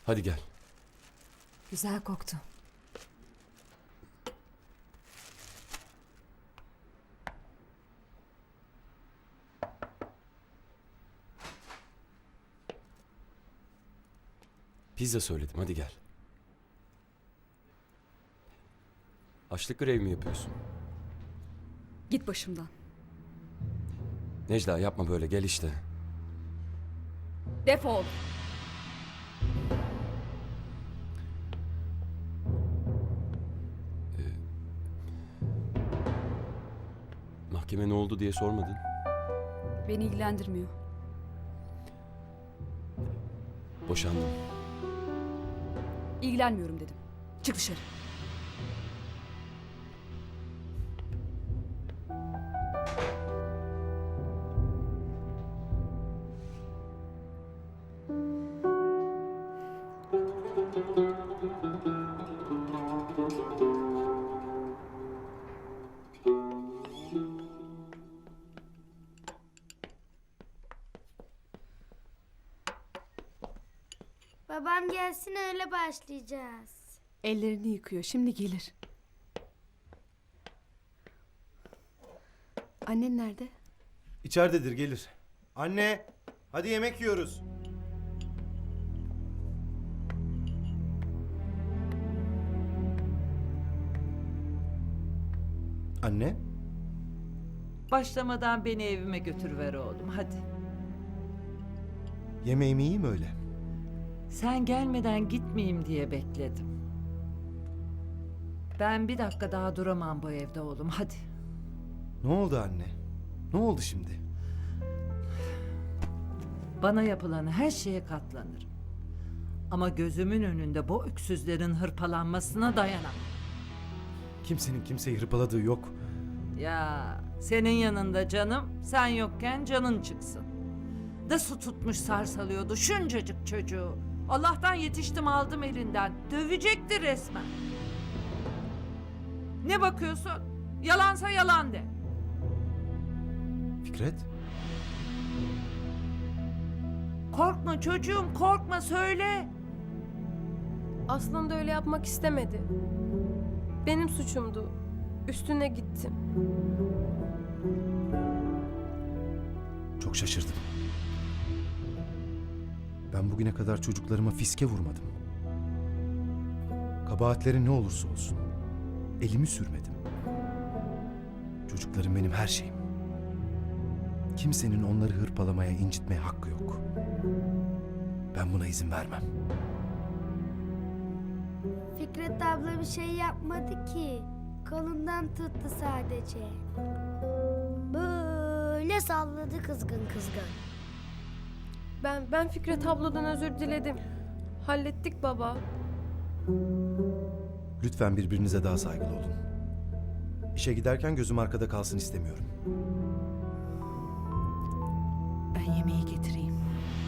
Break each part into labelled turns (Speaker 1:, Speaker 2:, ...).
Speaker 1: Hadi gel.
Speaker 2: Güzel koktu.
Speaker 1: Pizza söyledim, hadi gel. Açlık grevi mi yapıyorsun?
Speaker 2: Git başımdan.
Speaker 1: Necla yapma böyle, gel işte.
Speaker 2: Defol.
Speaker 1: Mahkeme ne oldu diye sormadın.
Speaker 2: Beni ilgilendirmiyor.
Speaker 1: Boşandım.
Speaker 2: İlgilenmiyorum dedim. Çık dışarı.
Speaker 3: Babam gelsin öyle başlayacağız.
Speaker 2: Ellerini yıkıyor. Şimdi gelir. Annen nerede?
Speaker 4: İçeridedir, gelir. Anne, hadi yemek yiyoruz. Anne,
Speaker 5: Başlamadan beni evime götürüver oğlum hadi.
Speaker 4: yemeğimi yiyeyim öyle.
Speaker 5: Sen gelmeden gitmeyeyim diye bekledim. Ben bir dakika daha duramam bu evde oğlum hadi.
Speaker 4: Ne oldu anne? Ne oldu şimdi?
Speaker 5: Bana yapılan her şeye katlanırım. Ama gözümün önünde bu öksüzlerin hırpalanmasına dayanamam.
Speaker 4: Kimsenin kimseyi hırpaladığı yok.
Speaker 5: Ya senin yanında canım, sen yokken canın çıksın. Da su tutmuş sarsalıyordu şuncacık çocuğu. Allah'tan yetiştim aldım elinden. Dövecekti resmen. Ne bakıyorsun? Yalansa yalan de.
Speaker 4: Fikret,
Speaker 5: Korkma çocuğum korkma söyle.
Speaker 6: Aslında öyle yapmak istemedi. Benim suçumdu. Üstüne gittim.
Speaker 4: çok şaşırdım. Ben bugüne kadar çocuklarıma fiske vurmadım. Kabahatleri ne olursa olsun. Elimi sürmedim. Çocuklarım benim her şeyim. Kimsenin onları hırpalamaya, incitmeye hakkı yok. Ben buna izin vermem.
Speaker 3: Fikret abla bir şey yapmadı ki. Kolundan tuttu sadece. Böyle salladı kızgın kızgın.
Speaker 6: Ben Fikret abladan özür diledim. Hallettik baba.
Speaker 4: Lütfen birbirinize daha saygılı olun. İşe giderken gözüm arkada kalsın istemiyorum.
Speaker 2: Ben yemeği getireyim.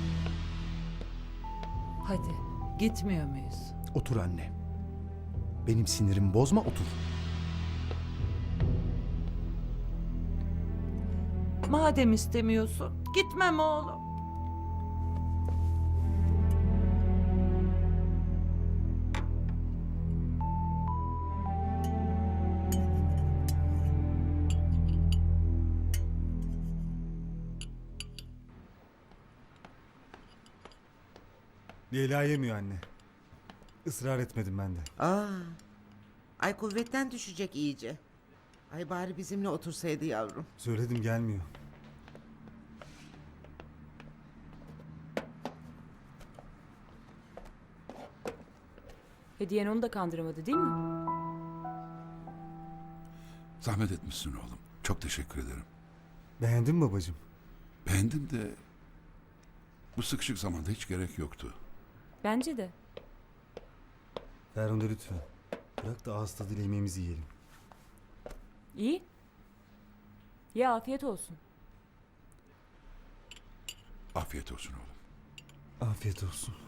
Speaker 5: Hadi gitmiyor muyuz?
Speaker 4: Otur anne. Benim sinirimi bozma, otur.
Speaker 5: Madem istemiyorsun gitmem oğlum.
Speaker 7: Leyla yemiyor anne. Israr etmedim ben de.
Speaker 8: Ay kuvvetten düşecek iyice. Ay bari bizimle otursaydı yavrum.
Speaker 7: Söyledim gelmiyor.
Speaker 2: Hediyen onu da kandıramadı değil mi?
Speaker 9: Zahmet etmişsin oğlum. Çok teşekkür ederim.
Speaker 7: Beğendin mi babacığım?
Speaker 9: Beğendim de bu sıkışık zamanda hiç gerek yoktu.
Speaker 2: Bence de.
Speaker 7: Ferhunde lütfen. Bırak da ağız tadıyla yemeğimizi yiyelim.
Speaker 2: İyi. Ya afiyet olsun.
Speaker 9: Afiyet olsun oğlum.
Speaker 7: Afiyet olsun.